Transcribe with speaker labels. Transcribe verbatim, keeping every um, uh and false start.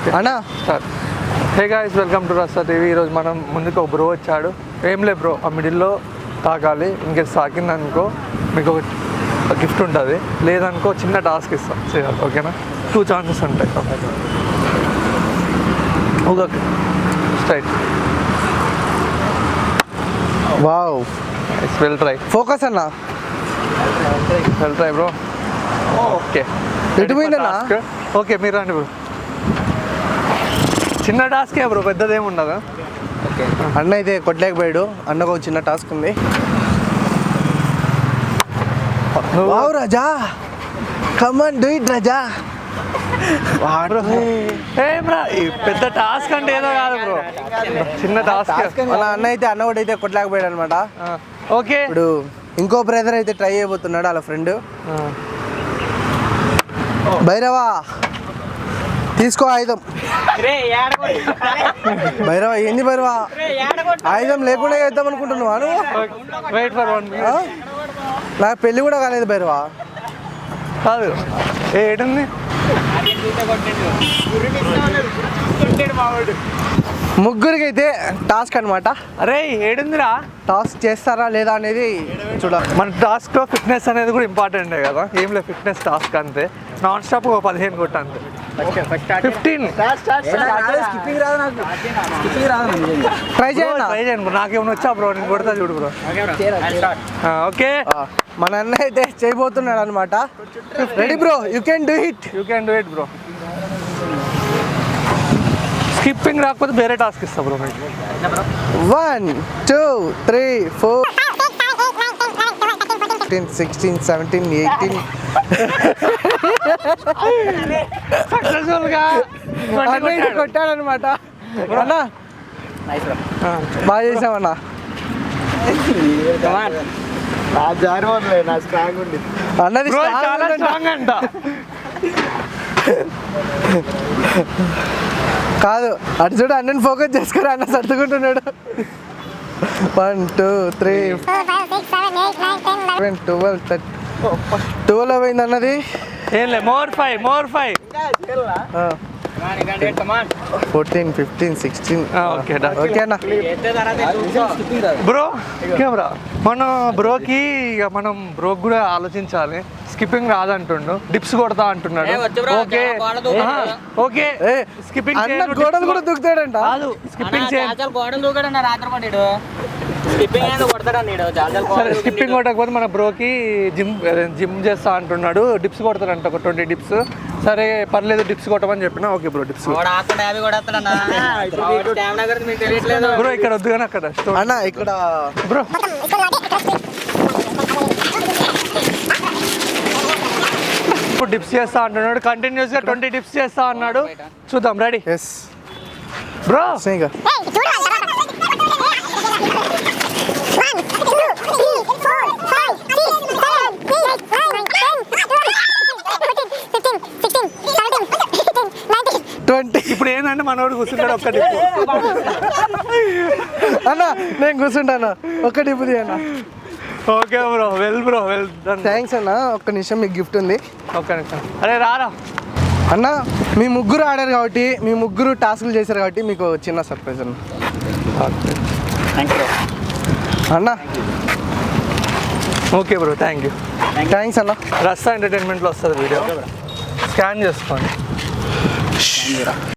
Speaker 1: అన్నా
Speaker 2: sir hey guys welcome to Rasta TV. ఈరోజు మనం ముందుకు ఒక బ్రో వచ్చాడు. ఏం లే బ్రో, ఆ మిడిల్లో తాకాలి. ఇంకేసి తాకిందనుకో మీకు ఒక గిఫ్ట్ ఉంటుంది, లేదనుకో చిన్న టాస్క్ ఇస్తాం చేయాలి. ఓకేనా? టూ ఛాన్సెస్ ఉంటాయి. Okay straight.
Speaker 1: Wow,
Speaker 2: it's well try.
Speaker 1: Focus అన్నా,
Speaker 2: వెల్ ట్రై బ్రో. ఓకే
Speaker 1: ఎటు పోయిందన్నా?
Speaker 2: ఓకే మీరు రండి బ్రో. చిన్న టాస్కే బ్రో, పెద్దదేమి ఉండదు.
Speaker 1: అన్న అయితే కొట్టలేకపోయాడు. అన్నకు ఒక చిన్న టాస్క్ ఉంది. Wow Raja, come on do it Raja.
Speaker 2: ఏం రా, పెద్ద టాస్క్ అంటే ఏదో కాదు బ్రో, చిన్న టాస్క్.
Speaker 1: మన అన్న అయితే అన్న కూడా అయితే కొట్టలేకపోయాడు అనమాట.
Speaker 2: ఓకే,
Speaker 1: ఇప్పుడు ఇంకో బ్రదర్ అయితే ట్రై చేయబోతున్నాడు, వాళ్ళ ఫ్రెండ్. భైరవా తీసుకో ఆయుధం. భైరవా ఏంది భైరవా, ఆయుధం లేకుండా చేద్దాం అనుకుంటున్నావా నువ్వు?
Speaker 2: Wait for one minute.
Speaker 1: నాకు పెళ్ళి కూడా కాలేదు భైరవా.
Speaker 2: కాదు ఏడుంది.
Speaker 1: ముగ్గురికి అయితే టాస్క్ అనమాట.
Speaker 2: అరే ఏడుందిరా,
Speaker 1: టాస్క్ చేస్తారా లేదా అనేది చూడాలి.
Speaker 2: మన టాస్క్లో ఫిట్నెస్ అనేది కూడా ఇంపార్టెంటే కదా. ఏం లేదు, ఫిట్నెస్ టాస్క్ అంతే. నాన్ స్టాప్ ఒక పదిహేను కొట్ట అంతే. ఫిఫ్టీన్
Speaker 1: ట్రై చేయండి.
Speaker 2: ట్రై చేయండి. నాకేమైనా వచ్చా బ్రో, నేను కొడతా చూడు బ్రో. ఓకే,
Speaker 1: మన అన్న అయితే చేయబోతున్నాడు అనమాట. Ready bro, you can do it.
Speaker 2: You can do it bro. Skipping రాకపోతే వేరే టాస్క్ ఇస్తా బ్రో మీకు.
Speaker 1: One two three four fifteen sixteen seventeen eighteen
Speaker 2: సక్సెస్ఫుల్గా
Speaker 1: కొట్టాడు అనమాట. అన్నా బాగా చేసామన్నా. అన్నది
Speaker 2: చాలా స్ట్రాంగ్ అంట.
Speaker 1: కాదు, అటు చూడు, అన్నని ఫోకస్ చేసుకుని అన్న సర్దుకుంటున్నాడు. One two three seven twelve thirty twelve అయింది అన్నది.
Speaker 2: ఏం లేదు, more five more five
Speaker 1: fourteen fifteen sixteen.
Speaker 2: Okay
Speaker 1: okay అన్న.
Speaker 2: బ్రో కెమెరా మన బ్రోకి ఇక మనం బ్రోకి కూడా ఆలోచించాలి. స్కిప్పింగ్ రాదంటుండు, డిప్స్ కొడతా అంటున్నాడు. ఓకే ఓకే, స్కిప్పింగ్
Speaker 1: అన్న గోడలు కూడా దూకుతాడంట.
Speaker 2: కాదు, స్కిప్పింగ్ సరే, స్కిప్పింగ్ కొట్టకపోతే మన బ్రోకి జిమ్ జిమ్ చేస్తా అంటున్నాడు. డిప్స్ కొడతాడంట, ఒక ట్వంటీ డిప్స్. సరే పర్లేదు, డిప్స్ కొట్టమని చెప్పిన. ఓకే బ్రో, డిప్స్ బ్రో ఇక్కడ వద్దు కానీ అక్కడ
Speaker 1: అన్న ఇక్కడ
Speaker 2: బ్రో. ఇప్పుడు డిప్స్ చేస్తా అంటున్నాడు, కంటిన్యూస్ గా ట్వంటీ డిప్స్ చేస్తా అన్నాడు. చూద్దాం. రెడీ?
Speaker 1: Yes
Speaker 2: bro.
Speaker 1: ట్వంటీ.
Speaker 2: ఇప్పుడు ఏంటంటే మనోడు కూర్చుంటాడు ఒక్క డిప్.
Speaker 1: అన్న నేను కూర్చుంటాను, ఒక్క డిప్ అన్న.
Speaker 2: Okay bro, well bro, well done.
Speaker 1: Thanks అన్న. ఒక్క నిమిషం, మీకు గిఫ్ట్ ఉంది.
Speaker 2: ఒక్క నిమిషం. అరే రారా
Speaker 1: అన్న, మీ ముగ్గురు ఆడారు కాబట్టి, మీ ముగ్గురు టాస్క్లు చేశారు కాబట్టి మీకు చిన్న సర్ప్రైజ్ అన్న. అన్న
Speaker 2: okay bro, thank you.
Speaker 1: Thanks అన్న.
Speaker 2: రస్తా ఎంటర్టైన్మెంట్లో వస్తుంది వీడియో, స్కాన్ చేసుకోండి.